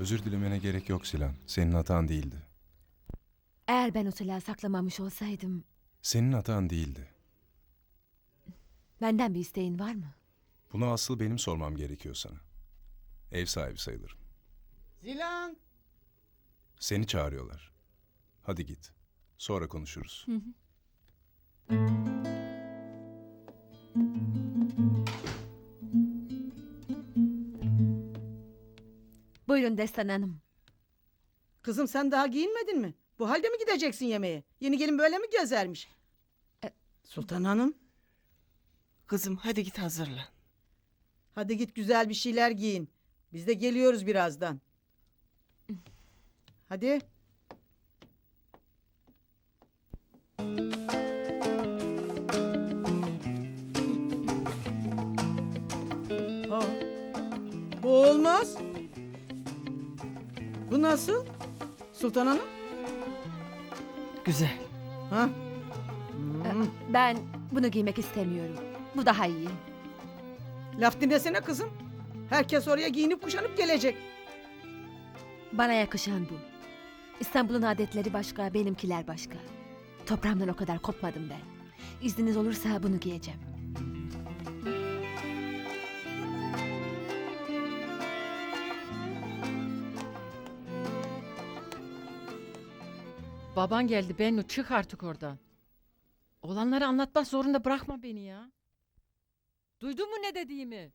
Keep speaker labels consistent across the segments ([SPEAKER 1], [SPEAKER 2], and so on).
[SPEAKER 1] Özür dilemene gerek yok Silan. Senin hatan değildi.
[SPEAKER 2] Eğer ben o silahı saklamamış olsaydım...
[SPEAKER 1] Senin hatan değildi.
[SPEAKER 2] Benden bir isteğin var mı?
[SPEAKER 1] Bunu asıl benim sormam gerekiyor sana. Ev sahibi sayılırım.
[SPEAKER 3] Zilan!
[SPEAKER 1] Seni çağırıyorlar. Hadi git. Sonra konuşuruz.
[SPEAKER 2] Buyurun Destan Hanım.
[SPEAKER 3] Kızım sen daha giyinmedin mi? Bu halde mi gideceksin yemeğe? Yeni gelin böyle mi gezermiş? Sultan Hanım,
[SPEAKER 4] Kızım hadi git hazırlan.
[SPEAKER 3] hadi git güzel bir şeyler giyin. Biz de geliyoruz birazdan. Hadi. Aa, bu olmaz. Bu nasıl? Sultan Hanım?
[SPEAKER 4] Güzel.
[SPEAKER 3] Ha?
[SPEAKER 2] Ben bunu giymek istemiyorum. Bu daha iyi.
[SPEAKER 3] Laf dinlesene kızım. Herkes oraya giyinip kuşanıp gelecek.
[SPEAKER 2] Bana yakışan bu. İstanbul'un adetleri başka, benimkiler başka. Toprağımdan o kadar kopmadım ben. İzniniz olursa bunu giyeceğim.
[SPEAKER 5] Baban geldi Bennu, çık artık oradan. Olanları anlatmak zorunda bırakma beni ya. Duydun mu ne dediğimi?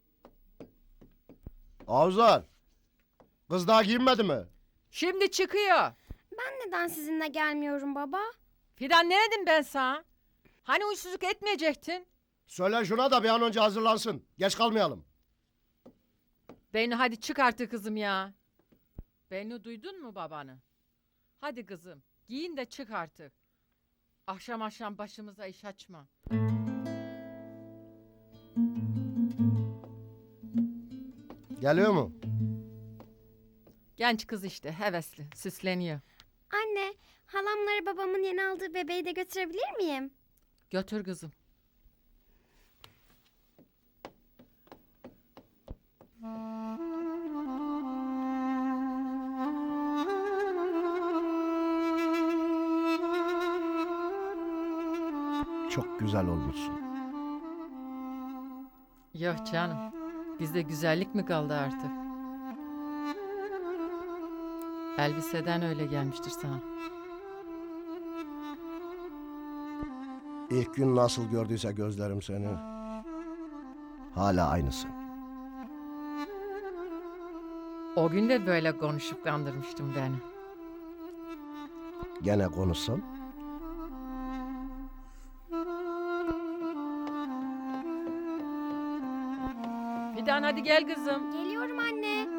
[SPEAKER 6] Avzar, kız daha giyinmedi mi?
[SPEAKER 5] Şimdi çıkıyor.
[SPEAKER 7] Ben neden sizinle gelmiyorum baba?
[SPEAKER 5] Fidan ne dedim ben sana? Hani uysuzluk etmeyecektin?
[SPEAKER 6] Söyle şuna da bir an önce hazırlansın. Geç kalmayalım.
[SPEAKER 5] Bennu hadi çık artık kızım ya. Bennu duydun mu babanı? Hadi kızım giyin de çık artık. Akşam akşam başımıza iş açma.
[SPEAKER 6] Geliyor mu?
[SPEAKER 5] Genç kız işte hevesli süsleniyor.
[SPEAKER 7] Anne, halamlara babamın yeni aldığı bebeği de götürebilir miyim?
[SPEAKER 5] Götür kızım.
[SPEAKER 6] Çok güzel olmuşsun.
[SPEAKER 5] Yok canım. Bizde güzellik mi kaldı artık? Elbiseden öyle gelmiştir sana.
[SPEAKER 6] İlk gün nasıl gördüyse gözlerim seni. Hala aynısın.
[SPEAKER 5] O gün de böyle konuşup kandırmıştım beni.
[SPEAKER 6] Gene konuşsam.
[SPEAKER 5] Fidan hadi gel kızım.
[SPEAKER 7] Geliyorum anne.